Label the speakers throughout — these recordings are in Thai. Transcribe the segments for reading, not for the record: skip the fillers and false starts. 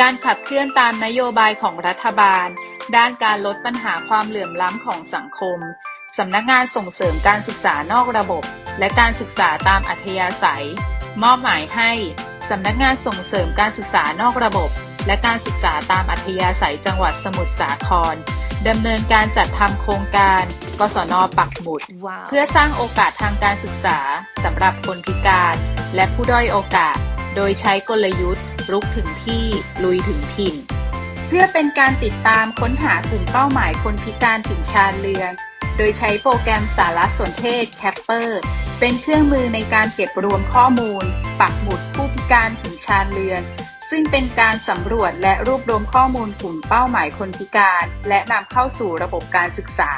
Speaker 1: การขับเคลื่อนตามนโยบายของรัฐบาลด้านการลดปัญหาความเหลื่อมล้ำของสังคมสำนักงานส่งเสริมการศึกษานอกระบบและการศึกษาตามอัธยาศัยมอบหมายให้สำนักงานส่งเสริมการศึกษานอกระบบและการศึกษาตามอัธยาศัยจังหวัดสมุทรสาครดำเนินการจัดทำโครงการกศน.ปักหมุดเพื่อสร้างโอกาสทางการศึกษาสำหรับคนพิการและผู้ด้อยโอกาสโดยใช้กลยุทธ์รุกถึงที่ลุยถึงถิ่นเพื่อเป็นการติดตามค้นหากลุ่มเป้าหมายคนพิการถึงชาญเรือนโดยใช้โปรแกรมสารสนเทศ Capper เป็นเครื่องมือในการเก็บรวมข้อมูลปักหมุดผู้พิการถึงชาญเรือนซึ่งเป็นการสำรวจและรวบรวมข้อมูลกลุ่มเป้าหมายคนพิการและนำเข้าสู่ระบบการศึกษา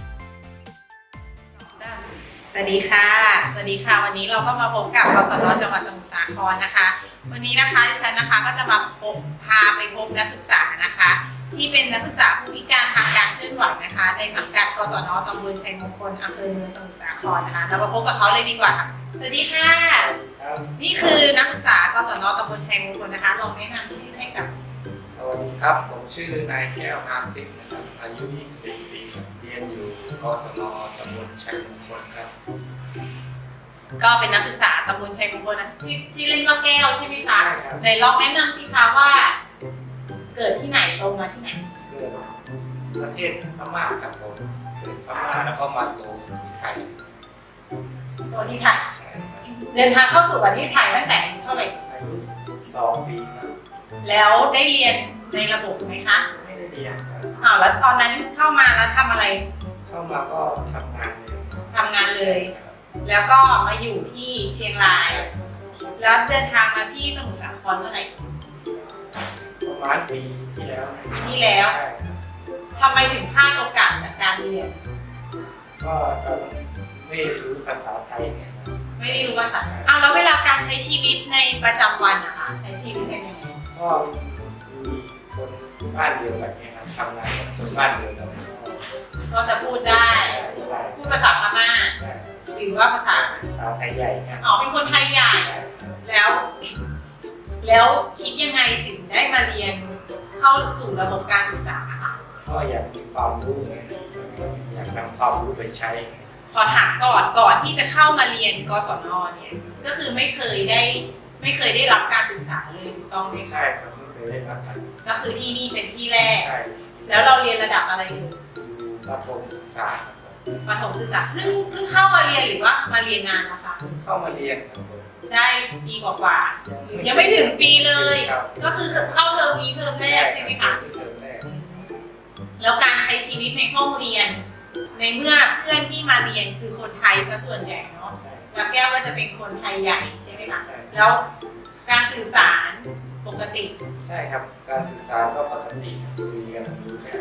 Speaker 2: สวัสดีค่ะวันนี้เราก็มาพบกับกศน.จังหวัดสมุทรสาครนะคะวันนี้นะคะดิฉันนะคะก็จะมาพาไปพบนักศึกษานะคะที่เป็นนักศึกษาผู้พิการทางการเคลื่อนไหวนะคะในสังกัดกศน.ตำบลชัยมงคลอำเภอเมืองสมุทรสาครนะคะเรามาพบกับเขาเลยดีกว่าสวัสดีค่ะนี่คือนักศึกษากศน.ตำบลชัยมงคลนะคะลองแนะนำชื่อให้กับ
Speaker 3: สวัสดีครับผมชื่อนายแก้วงามทิพย์นะครับอายุ21 ปีเรียนอยู่กศน.ตำบลชัยมงคลครับ
Speaker 2: ก็เป็นนักศึกษาตำบลชัยมงคลนะที่เล่นว่าแก้วใช่ไหมคะไหนลองแนะนำสิคะว่าเกิดที่ไหนโตมาที่ไหน
Speaker 3: เกิดประเทศพม่าครับผมเกิดพม่าแล้วก็มาโตที่ไทย
Speaker 2: โตที่ไทยเดินทางเข้าสู่ประเทศไทยตั้งแต่เท่าไหร่
Speaker 3: อายุ12 ปีครับ
Speaker 2: แล้วได้เรียนในระบบไหมคะ
Speaker 3: ไม่ได้เรียน
Speaker 2: แล้วตอนนั้นเข้ามาแล้วทำอะไร
Speaker 3: เข้ามาก็ทำงาน
Speaker 2: เลยแล้วก็มาอยู่ที่เชียงรายแล้วเดินทางมาที่สมุทรสาครเมื่อไหร่
Speaker 3: ประมาณปีที่แล้ว
Speaker 2: ทำไมถึงพลาดโอกาสจากการเรียน
Speaker 3: ก็ไม่รู้ภาษาไทยไง
Speaker 2: ไม่ได้รู้ภาษาแล้วเวลาการใช้ชีวิตในประจำวันนะคะใช้ชีวิตเป็นยังไง
Speaker 3: ก็มีคนบ้านเดียวแบบนี้ครับทำงานกับคนบ้านเดียวกัน
Speaker 2: ก็จะพูดได้พูดภาษาพม่าหรือว่าภาษา
Speaker 3: ไทยใหญ่เนี่ย
Speaker 2: เป็นคนไทยใหญ่แล้วคิดยังไงถึงได้มาเรียนเข้าสู่ระบบการศึกษาค่ะ
Speaker 3: ก็อยากมีความรู้ไงอยากนำความรู้ไปใช้
Speaker 2: ขอถามก่อนที่จะเข้ามาเรียนกศน.เนี่ยก็คือไม่เคยได้รับการศึกษาเลยถูกต้องไหม
Speaker 3: ใช่ครับไม่เคยได้รับการศึกษา
Speaker 2: ก็คือที่นี่เป็นที่แรก
Speaker 3: ใช่
Speaker 2: แล้วเราเรียนระดับอะไรอยู่
Speaker 3: ประถมศึกษา
Speaker 2: เพิ่งเข้ามาเรียนหรือว่ามาเรียนนานนะคะ
Speaker 3: เข้ามาเรียน
Speaker 2: ได้ปีกว่ายังไม่ถึงปีเลยก็คือเข้าเทอมนี้เทอมแรกใช่ไหมคะแล้วการใช้ชีวิตในห้องเรียนในเมื่อเพื่อนที่มาเรียนคือคนไทยซะส่วนใหญ่เนาะแล้วแก้วก็จะเป็นคนไทยใหญ่ใช่ไหมคะแล้วการสื่อสารปกติ
Speaker 3: ใช่ครับการสื่อสารก็ปกติคุยกันรู้ได้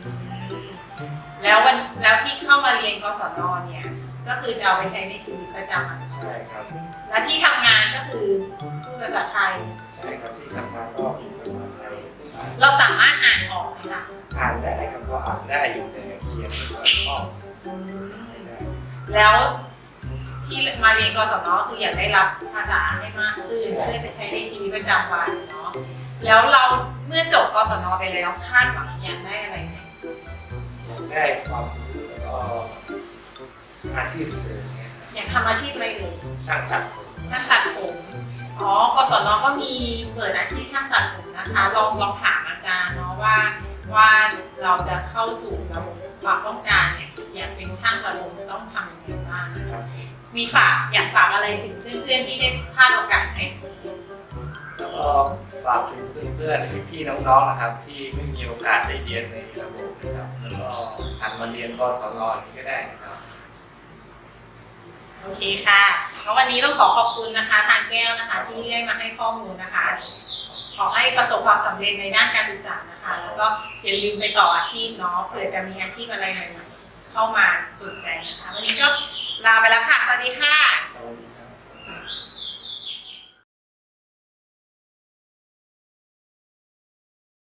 Speaker 2: แล้วที่เข้ามาเรียนกศน.เนี่ยก็คือจะเอาไปใช้ในชีวิตประจำวัน
Speaker 3: ใช่ครับ
Speaker 2: และที่ทำงานก็คือพูดภาษาไทย
Speaker 3: ใช่ครับที่ทำงานก็พูดภาษาไทย
Speaker 2: เราสามารถอ่านออกไหมคะ
Speaker 3: อ่านได้ครับก็อ่านได้อยู่แต่เขียนไม่ค่อยคล่อง
Speaker 2: แล้วที่มาเรียนกศน.คืออยากได้รับภาษาให้มากขึ้นเพื่อจะใช้ในชีวิตประจำวันเนาะแล้วเราเมื่อจบกศน.ไปแล้วคาดหวังอยากได้อะไรไหม
Speaker 3: ได้ความรู้แล้วก็อาชีพเสริม
Speaker 2: อยากทำอาชีพอะไรเลย
Speaker 3: ช่างตัดผม
Speaker 2: กศน.ก็มีเปิดอาชีพช่างตัดผมนะคะลองถามอาจารย์เนาะว่าเราจะเข้าสู่ระบบความต้องการเนี่ยอยากเป็นช่างตัดผมต้องทำยังไงบ้างมีอยากฝากอะไรถึงเพื่อนๆที่ได้พลาดโอกาสไหม
Speaker 3: แล้วก็ฝากถึงเพื่อนๆพี่ๆน้องๆนะครับที่ไม่มีโอกาสได้เรียนในระบบนะครับแล้วก็หันมาเรียนกศน.นี้ก็ได้นะครับ
Speaker 2: โอเคค่ะแล้ววันนี้ต้องขอบคุณนะคะทางแก้วนะคะที่ได้มาให้ข้อมูลนะคะขอให้ประสบความสำเร็จในด้านการศึกษานะคะแล้วก็อย่าลืมไปต่ออาชีพเนาะเผื่อจะมีอาชีพอะไรใหม่ๆเข้ามาสนใจนะคะวันนี้ก็ลาไปแล้วค่ะสวัสดีค่ะ